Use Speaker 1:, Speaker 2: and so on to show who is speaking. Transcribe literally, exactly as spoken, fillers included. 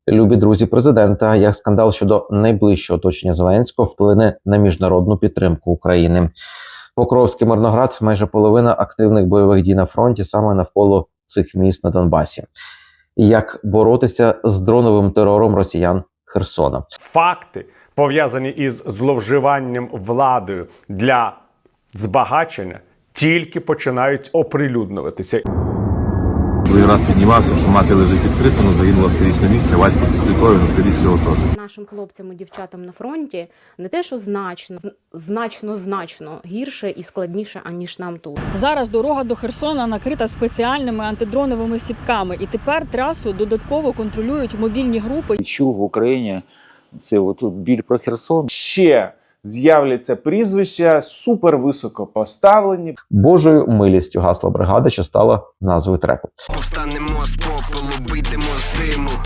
Speaker 1: Любі друзі президента, як скандал щодо найближчого оточення Зеленського вплине на міжнародну підтримку України. Покровський, Мирноград, майже половина активних бойових дій на фронті саме навколо цих міст на Донбасі. І як боротися з дроновим терором росіян Херсона.
Speaker 2: Факти, пов'язані із зловживанням владою для збагачення, тільки починають оприлюднюватися.
Speaker 3: Другий раз піднімався, що мати лежить відкрито, але загинула в сторічне місце, батько під плитою, ну, скоріше всього, теж.
Speaker 4: Нашим хлопцям і дівчатам на фронті не те, що значно, значно, значно гірше і складніше, аніж нам тут.
Speaker 5: Зараз дорога до Херсона накрита спеціальними антидроновими сітками, і тепер трасу додатково контролюють мобільні групи.
Speaker 6: Чув в Україні це отут біль про Херсон.
Speaker 7: Ще з'являться прізвища супервисоко поставлені.
Speaker 1: Божою милістю гасло бригади, що стало назвою треку.
Speaker 8: Повстанемо з попелу, вийдемо з диму.